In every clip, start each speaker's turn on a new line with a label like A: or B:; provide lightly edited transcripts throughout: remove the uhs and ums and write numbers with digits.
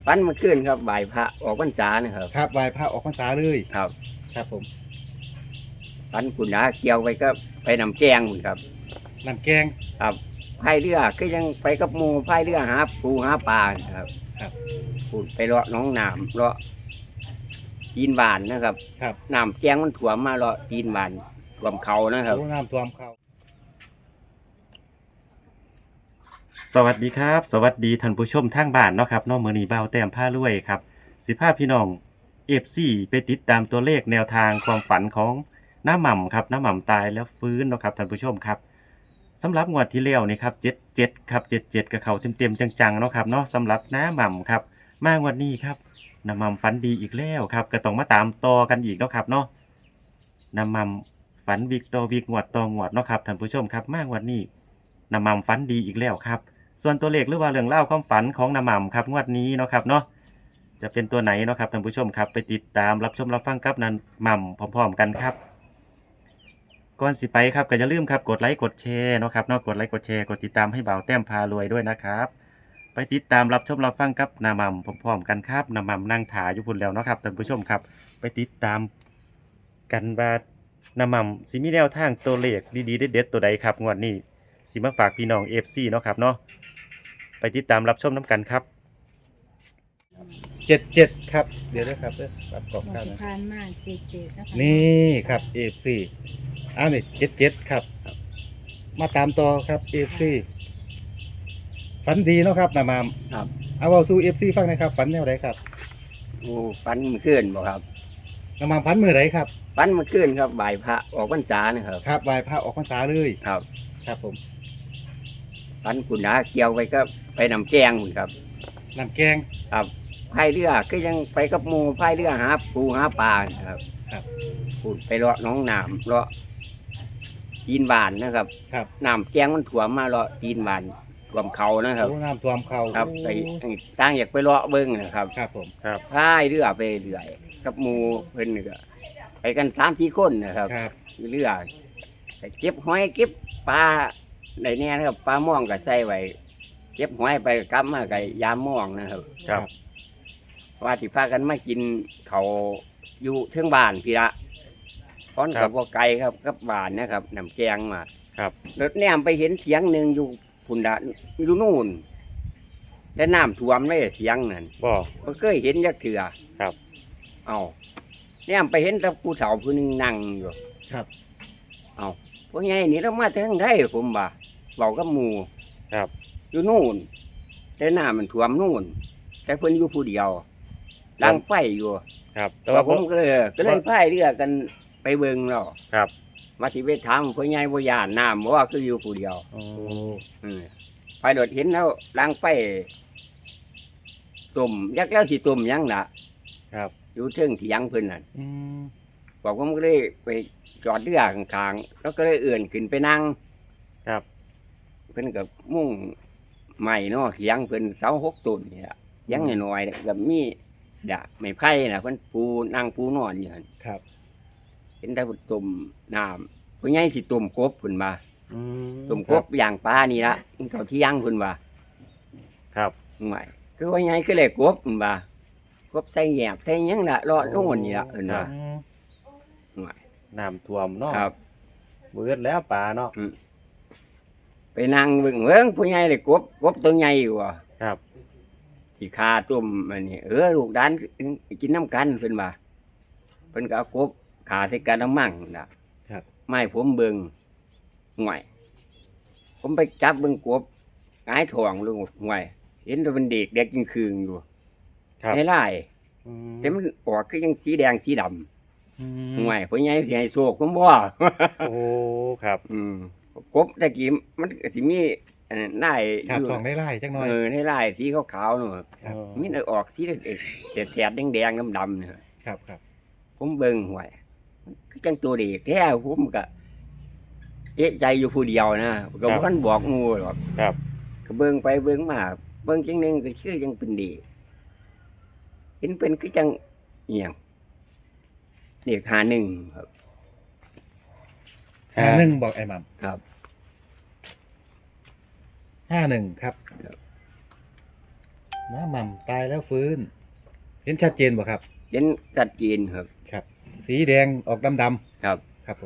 A: ฝันเมื่อคืนครับบ่ายพระออกพรรษานะครับ
B: ครับไหว้พระออกพรรษาเลย
A: ครับ
B: ครับผม
A: ฝันคุณนาเกี่ยวไปก็ไปนำแกงคุณครับ
B: น้ำแกง
A: ครับพายเรือก็ยังไปกับหมู่พายเรือหาปูหาปลาครับ
B: ครับ
A: พูดไปเลาะหน้องน้ำเลาะตีนบานนะครับ
B: ครับ
A: น้ำแกงมันถ่วมมาเลาะตีนบานถ่วมเขานะครับ
B: โอ้น้ำท่วมเขา
C: สวัสดีครับ สวัสดีท่านผู้ชมทางบ้านเนาะครับเนาะมื้อนี้บ่าวแต้มผ้ารวยครับสิพาพี่น้อง FC ไปติดตามตัวเลขแนวทางความฝันของน้าหม่ำครับน้าหม่ำตายแล้วฟื้นเนาะครับท่านผู้ชมครับสำหรับงวดที่แล้วนี่ครับ77ครับ77กับเขาเต็มๆจังๆเนาะครับเนาะสำหรับน้าหม่ำครับมางวดนี้ครับน้าหม่ำฝันดีอีกแล้วครับก็ต้องมาตามต่อกันอีกเนาะครับเนาะน้าหม่ำฝันวิกต่อวิกงวดต่องวดเนาะครับท่านผู้ชมครับมางวดนี้น้าหม่ำฝันดีอีกแล้วครับ ส่วนตัวเลขหรือว่าเรื่องเล่าความฝันของน้าหม่ำครับงวดนี้เนาะครับเนาะจะเป็นตัวไหนเนาะครับท่านผู้ชมครับไปติดตามรับชมรับฟังกับน้าหม่ำพร้อมๆกันครับก่อนสิไปครับก็อย่าลืมครับกดไลค์กดแชร์เนาะครับเนาะกดไลค์กดแชร์กดติดตามให้บ่าวแต้มพารวยด้วยนะครับไปติดตามรับชมรับฟังกับน้าหม่ำพร้อมๆกันครับน้าหม่ำนั่งถ่ายอยู่พุ่นแล้วเนาะครับท่านผู้ชมครับไปติดตามกันว่าน้าหม่ำสิมีแนวทางตัวเลขดีๆเด็ดๆตัวใดครับงวดนี้สิมาฝากพี่น้อง FC เนาะครับเนาะ ไปติดตามรับชมน้ำกันครับ
B: 77ครับเดี๋ยวนะครับรับกรอบ
D: หม
B: กัน
D: ด
B: นะ
D: ทานมากเจ็ดนะคะ
B: นี่ครับ FC อ้าวนี่77ครับมาตามต่อครับ FC ฝันดีเนาะครับน้ามาม
A: ครับ
B: เอาเว้าสู่ FC ฟังหนะครับฝันแนวใดครับ
A: โอ้ฝันเมื่อคืนบ่ครับ
B: น้ามามฝันมื้อใดครับ
A: ฝันเมื่อคืนครับบ่ายพระออกพรรษานะครับ
B: ครับไหว้พระออกพรรษาเลย
A: ครับ
B: ครับผม
A: ฝันคุณนาเกี่ยวไปก็ไปนำแกงคุณครับ
B: น้ำแกง
A: ครับพายเรือก็ยังไปกับหมู่พายเรือหาปูหาปลานะครับ
B: ครับ
A: พูดไปเลาะหน้องน้ำเลาะตีนบานนะครับ
B: ครับ
A: น้ำแกงมันถ่วมมาเลาะตีนบานถ่วมเขานะครับ
B: โอ้น้ำท่วมเขา
A: ครับ
B: โอ้
A: ไปตั้งอยากไปเลาะเบิ้งนะครับ
B: ครับผม
A: พายเรือไปเรื่อยกับหมู่เพิ่นนี่ก็ไปกัน3-4คนนะครับ
B: ครับ
A: เรือไปเก็บหอยเก็บปลาในแน่นะครับปลาม่วงก็ใส่ไว้เก็บหอยไปกลับมากับยามม่วงนะครับ
B: ครับ
A: ว่าสิพากันมากินเขาวอยู่เทิงบ้านพี่ละพร้อนกับบ่ไกลครับกับบ้านนะครับน้ำแกงมา
C: ครับ
A: รถแนมไปเห็นเถียงหนึ่งอยู่พุ่นดะอยู่นู่นแต่น้ำท่วมเลยเถียงนั่น
C: บ่
A: บ่เคยเห็นจักเถื่อ
C: ครับ
A: เอาแนมไปเห็นแต่ผู้เฒ่าผู้หนึงนั่งอยู่
B: ครับ
A: เอาพวกไงนี่เรามาทางไทยผมบ่าเว้ากับหมู่
C: ครับ
A: อยู่นู่นแต่น้ำมันท่วมนู่นแต่เพิ่นอยู่ผู้เดียวดังไฟอยู่
C: ครับ แต่
A: แต่
C: ว่า
A: ว่าผมก็เลยพายเรือกันไปเบิ่งแล้ว
C: ครับ
A: มาสิไปถามพ่อใหญ่บ่ย่านน้ำบ่ว่าคืออยู่ผู้เดียว
C: อ๋อ
A: ไปโดดเห็นแล้วล้างไฟตุ่มยักแล้วสิตุ่มยังล่ะ
C: ครับ
A: อยู่เทิงเถียงเพิ่นน่ะ
B: อืม
A: บอกผมก็เลยไปจอดเรือข้างๆแล้วก็เลยเอื่นขึ้นไปนั่ง
C: ครับ
A: เพิ่นก็มุ่งใหม่เนาะเถียงเพิ่นเสา6ต้นนี่ล่ะเถียังน้อยๆเนี่ยก็มีดาบไม้ไผ่น่ะเพิ่นปูนั่งปูนอนอยู่หั่น
B: ครับ
A: เห็นแต่ตุ่มน้ำพ่อใหญ่สิตุ่มกบเพิ่นว่า
C: อืม
A: ตุ่มกบย่างปลานี่ละกินข้าวเที่ยงเพิ่นว่า
C: ครับ
A: ไม่คือว่าไงคือเลยกบเพิ่นว่ากบใส่แยบใส่หยังล่ะรอดโน่นนี่ล่ะเพิ่นว่า
B: อืม
C: น้ำท่วมเนาะ
A: ครับ
C: เบิดแล้วปลาเนาะ
A: ไปนั่งเบิ่งผู้ใหญ่เลยกบตัวใหญ่อยู่ว่ะ
C: ครับ
A: ที่คาตุ่มอันนี้ลูกดานกินน้ำกันเพิ่นว่าเพิ่นก็เอากบขาใส่กระมังน่ะ
B: ครับ
A: ไม่ผมเบิ่งห่วยผมไปจับเบิ่งกบหงายท้องลงห่วยเห็นแต่มันเด็กจริงคืงอยู่
C: ครับ
A: ในไร่
C: อืม
A: แต่มันออกคือยังสีแดงสีดำ
C: อืม
A: ห่วยผู้ใหญ่สิให้โชคผมบ่
C: โอ้ครับ
A: กบตะกี้มันก็สิมีนาย
B: ครับ
A: อยู่
B: ทองได้ไล่จักหน่อย
A: ในลายสีขาวๆนู่น
B: ครับ
A: มีแต่ออกสีแถดๆแดงๆดำๆเนี่ย
B: ครับครับ
A: ผมเบิ่งห่วยคือจังตัวเด็กแท้ผมก็เอะใจอยู่ผู้เดียวนะก็บ่ทันบอกงูหรอก
C: ครับ
A: ก็เบิ่งไปเบิ่งมาเบิ่งจังหนึงก็คือจังเป็นเด็กเห็นเป็นคือจังเอียงเด็ก51ครับ
B: 51บอกไอ้หมัม
A: ครับ
B: 51ครับน้าหม่ำตายแล้วฟื้น เห็นชัดเจนบ่ครับ
A: เห็นชัดเจนครับ
B: ครับ สีแดงออกดำ
A: ครับ
B: ๆครับผม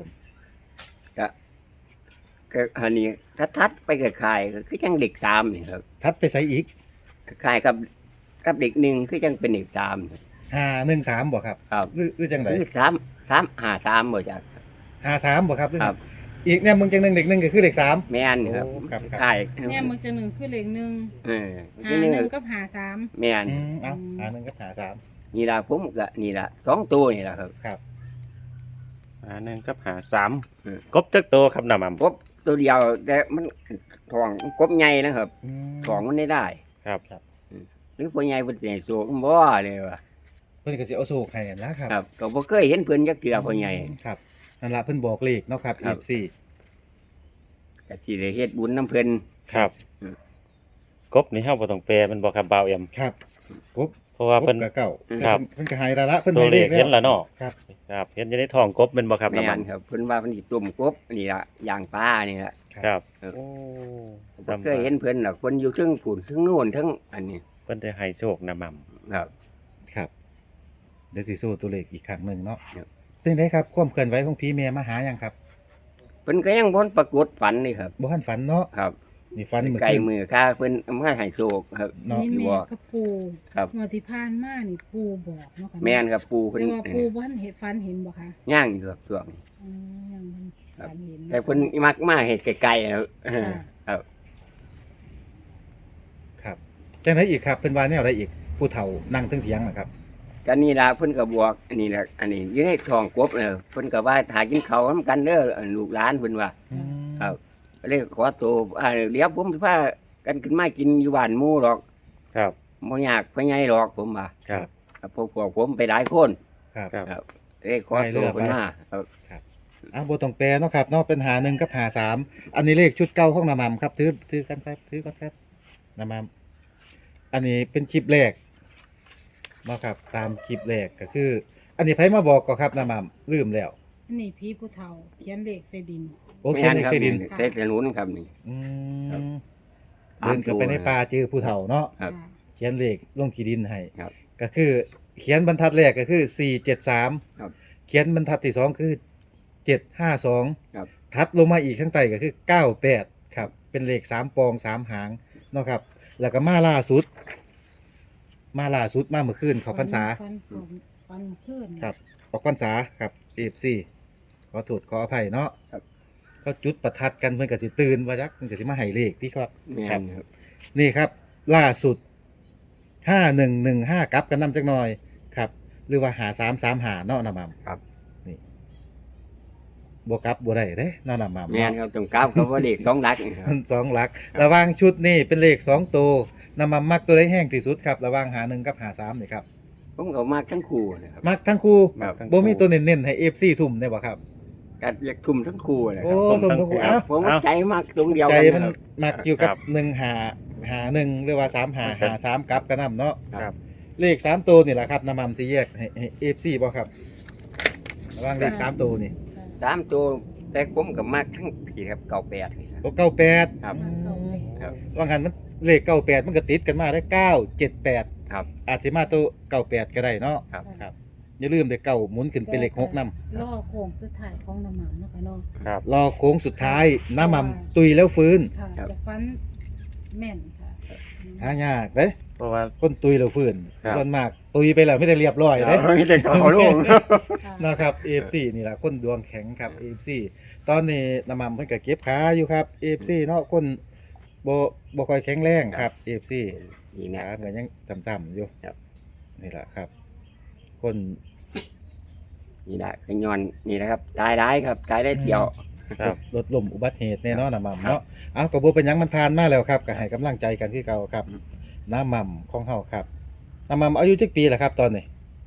A: ก็อันนี้ถ้าทัดไปกับคายก็คือจังเด็กสามนี่ครับ
B: ทัดไปใส่อีก
A: คายกับเด็กหนึ่งคือจังเป็นเด็กสามครับ
B: 513บ่ครับ
A: ครับ
B: หรือจังได
A: คือ3 บ่จัก
B: 53บ่ครับหอ
A: ครับ
B: อีกเนี่ยมึงจังหนึ่งเด็กหนึ่งก็คือเลข3
A: แม่นครับ
B: โอ้ครับ
A: คาย
D: เนี่ยมึงจะหนึ่งคือเลขหนึ่ง
A: เออ
D: หา
A: ที่
D: ห
A: นี่
D: นึ่งกับหาสาม
A: แม่น
B: เอา1กับ53
A: นี่ล่ะผมก็นี่ล่ะ2ตัวนี่ล่ะครับ
B: ครับ
C: หาหนึ่งกับหาสาม
A: อืม
C: กบจักโตครับน้ำมัน
A: กบตัวเดียวแต่มันท้องกบใหญ่นะครับ
B: อืม
A: ท้องมันได้
C: ครับ
A: หรือพ่อใหญ่เพิ่นสิให้โซกบ่เลยว่ะ
B: เพิ่นก็สิเอาโศกให้นะครับ
A: ครับก็บ่เคยเห็นเพิ่นจักเทื่อพ่อใหญ่
B: ครับนั่นล่ะเพิ่นบอกเลขเนาะครับ
A: ครับ
B: FC
A: ก็สิได้เฮ็ดบุญนํเพิ่น
C: ครับ
A: อืม
C: กบนี่เฮาบ่ต้องแปลมันบ่ครับบ่าวเอ็ม
B: ครับกบ
C: เพราะว่าเพิ่น
B: กับเก่า
C: ครับ
B: เพิ่นก็ให้ละเพิ่น
C: ตัว
B: ให้
C: เล
B: เล
C: ข
B: ข
C: เห็นแล้วเนาะ
B: ครับ
C: ครับเห็นอยู่ในท้องกบแม่นบ่ครับ
A: แม่
C: น้ำมัน
A: นครับเพิ่นว่าเพิ่นสิต้มกบนี่ล่ะย่างปลานี่ล่ะ
C: ครับ
A: เออ
C: โอ้
A: บ่เคยเห็นเพิ่นหรอกเพิ่นอยู่เทึงผุนเทึงโน่นเทึงอันนี้
C: เพิ่นได้ให้โชคน้ำมัน
A: ครับ
B: ครับเดี๋ยวสิสู้ตัวเลขอีกครั้งหนึงเนาะ
A: ครับ
B: เป็นไดครับความเคลื่อนไหวของผีแม่มาหายังครับ
A: เพิ่นก็ยังบ่ปรากฏฝันนี่ครับ
B: บ่ทันฝันเนาะ
A: ครับ
B: นี่ฝันมื้อ
A: ไกล
B: คืน
A: มือค่าเพิ่นเอามาให้โชคครับ
B: เนาะ
D: นี่
A: อยู่
D: แม่
A: บ่
D: กับปู
A: ครับ
D: เมื่อที่ผ่านมานี่ปูบอกเนาะค่ะ
A: แม่นครับปู่เพิ่น
D: แต่ว่าปูบ่ทันเห็นฟันเห็นบ่คะ
A: ย่างอยู่ครับช่วงนี้
D: อืมยังมันฟันเห็น
A: แต่เพิ่นมักมาเฮ็ดไกลๆครับ
D: ค่ะ
A: ครับ
B: ครับจังไดอีกครับเพิ่นว่าแนวใดอีกผู้เฒ่านั่งเทึงเถียงนะครับ
A: ก็นี่ล่ะเพิ่นก็บอกอันนี้ล่ะอันนี้อยู่ในท้องกบเพิ่นก็ว่าถ้ากินข้าวนำกันเด้อลูกหลานเพิ่นว่า ครับ ก็เลยขอตัวเดี๋ยวผมสิพากันขึ้นมากินอยู่บ้านหมู่หรอก
C: ครับ
A: บ่ยากพ่อใหญ่หรอกผมว่า
C: ครับ
A: ครับพวกผมไปหลายคน
B: ครับ
C: ครับ
A: ครับเลยขอตัวเพิ่นมาครับ
B: อ่ะบ่ต้องแปลเนาะครับเนาะเป็นหา1กับหา3อันนี้เลขชุดเก่าของน้าหม่ำครับถือกันครับถือก่อนครับน้าหม่ำอันนี้เป็นคลิปแรกเนาะครับตามคลิปแรกก็คือ อันนี้ไผมาบอกก็ครับน้าหม่ำลืมแล้ว
D: อันนี้พี่ผู้เฒ่าเขียนเลขใส่ดิน
B: โอเค
A: แม่น
B: ใน
A: ครับ
B: เซดิน
A: เทศถนนครับนี่
B: อื
A: ครับ
B: มเดินกลับไปในป่าเจอผู้เฒ่าเนาะ
A: ครับ
D: ค่ะ
B: เขียนเลขลงขีดินให้
A: ครับ
B: ก็คือเขียนบรรทัดแรกก็คือ473
A: ครับ
B: เขียนบรรทัดที่สองคือ752
A: ครับ
B: ทัดลงมาอีกข้างใต้ก็คือ98ครับเป็นเลข3ปอง3หางเนาะครับ แล้วก็มาล่าสุดมาเมื่อคืนเขาพรรษา
D: ฟันขึ้น
B: ครับ ออกพรรษาครับ FC ขอโทษขออภัยเนาะ
A: ครับ
B: เขาจุดประทัดกันเพิ่นก็สิตื่นว่าจักเพิ่นก็สิมาให้เลขที่ครับ
A: แม่
B: ครับ
A: นครับ
B: นี่ครับ ล่าสุด 5115กลับกันนำจักหน่อยครับ หรือว่า5335เนาะนะมัม
A: ครับ
B: นี่บ่กลับบ่ได้เด้เนาะนะมัม
A: แม่นครับตรงกราบเขาว่าเลข2หลักนี่ครับ
B: มันสองหลัก ระหว่างชุดนี่เป็นเลข2ตัวนะมัมมักตัวใดแห้งที่สุดครับระหว่าง51กับ53นี่ครับ
A: ผมก็มาทั้งคู่นะครับ
B: มักทั้งคู่
A: ครับ
B: บ่มีตัวเน้นๆให้ FC ทุ่มได้บ่ครับ
A: ก็อยากทุ่มทั้งคู่เลย
B: โอ้
A: ครับ
B: ทุ่มทั้งคู่
C: ครั
B: เอ้า
C: บ
A: ผมว่าใจมากตรงเดียว
B: ใจ
A: กัน
B: มัน
A: นะครับ
B: มักอยู่กับ
C: ครับ
B: 1 หรือว่า3 กลับกันนำเนาะ
C: ครับ
B: เลข3ตัวนี่แหละครับน้ำมันสิแยกให้ FC บ่ครับระหว่างเลข3ตัวนี่
A: สามตัวแต่ผมก็มากทั้งผีครับ98นี่ครับ
B: โอ้98
A: ครับ ครับ
B: ว่างั้นมันเลข98มันก็ติดกันมาได้978
A: ครับ
B: อาจสิมาตัว98ก็ได้เนาะ
A: ครับ
B: ครับอย่าลืมได้เก้าหมุนขึ้นเป็นเลข6นำ
D: ล่อโค้งสุดท้ายของน้ำมันเนาะค่ะเนาะ
C: ครับ
B: รอโค้งสุดท้ายน้ำมันตุยแล้วฟื้น
D: ค่ะ
A: ครับ
D: จะฟันแม่นค่ะ
B: หายากเด้
C: เพราะว่า
B: คนตุยแล้วฟื้น
C: ครับ
B: ส่วนมากตุยไปแล้วไม่ได้เรียบร้อยเด้
A: ไม่ได้ขอลง
D: ค่ะ
B: นะครับ AFC นี่แหละคนดวงแข็งครับ AFC ตอนนี้น้ำมันเพิ่นก็เก็บขาอยู่ครับ AFC เนาะคนบ่ค่อยแข็งแรงครับ AFC
A: นี่นะ
B: ขาเหมือนยังจำๆอยู่
A: ครับ
B: นี่แหละครับ คน
A: นี่แหละขย้อนนี่นะครับตายได้ครับตายได้เที่ยว
C: ครับ
B: ลดลมอุบัติเหตุแน่นอนน้ำมัน
A: ครับ
B: เนาะเอาก็บ่เป็นหยังมันผ่านมาแล้วครับก็ให้กำลังใจกันที่เก่าครับ
A: อืม
B: น้ำมันของเฮาครับน้ำมันอายุจักปีล่ะครับ ตอนนี้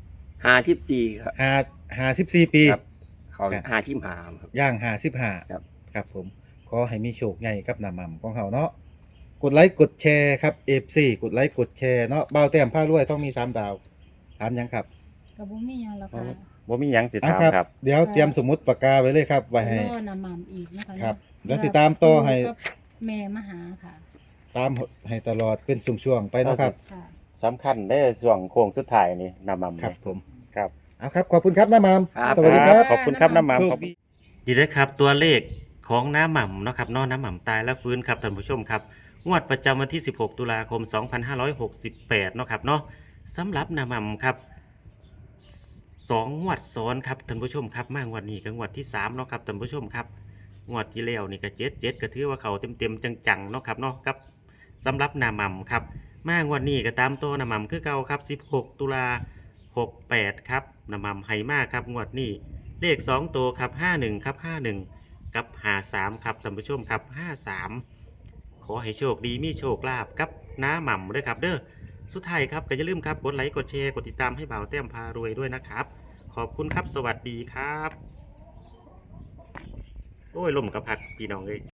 A: 54ครับ
B: 54ปี
A: ครับ เขา55ครับ
B: ย่าง
A: ครับ
B: 55ครับผมขอให้มีโชคใหญ่กับน้ำมันของเฮาเนาะกดไลค์กดแชร์ครับ FC กดไลค์กดแชร์เนาะบ่าวแต้มผ้ารวยต้องมี3ดาวถามหยังครับ
D: กับบ่มีหยังแล้วค่ะ
C: บ่มีหยังสิ
B: อ่ะ
C: ถามครับ
B: เดี๋ยวเตรียมสมุดปากกาไว้เลยครับไว้ให้
D: ล่อน้ำมันอีกนะคะ
B: ครับ
D: เนาะ
B: แล้วสิตามต่อให้
D: กับแม่มาหาค่ะ
B: ตามให้ตลอดเป็นช่วงๆไปเนาะครับ
D: ค่ะ
C: สำคัญได้ช่วงโค้งสุดท้ายนี่น้ำหม่ำ
B: ครับผม
C: ครับ
B: เอาครับขอบคุณครับน้ามาม
A: ครับ
B: สวัสดีครับ
C: ขอบคุณครับน้ำห
B: โช
C: ม่ำ
B: ค
C: ขอบ
B: ดี
C: ดีเลยครับตัวเลขของน้ำหม่ำเนาะครับเนาะน้ำหม่ำตายแล้วฟื้นครับท่านผู้ชมครับงวดประจำวันที่ 16 ตุลาคม 2568 เนาะครับเนาะสำหรับน้ำหม่ำครับ2 งวดซ้อนครับท่านผู้ชมครับมางวดนี้ก็งวดที่3เนาะครับท่านผู้ชมครับงวดที่แล้วนี่ก็7ก็ถือว่าเขาเต็มๆจังๆเนาะครับเนาะครับสำหรับน้ำหม่ำครับมางวดนี้ก็ตามตัวน้ำหม่ำคือเก่าครับ16 ตุลา68ครับน้ำหม่ำไหมากครับงวดนี้เลข2ตัวครับ51ครับ51กับ53ครับท่านผู้ชมครับ53ขอให้โชคดีมีโชคลาภกับน้าหม่ำด้วยครับเด้อสุดท้ายครับก็อย่าลืมครับกดไลค์กดแชร์กดติดตามให้บ่าวแต้มพารวยด้วยนะครับขอบคุณครับสวัสดีครับโอ้ยลมกับพัดพี่น้องเลย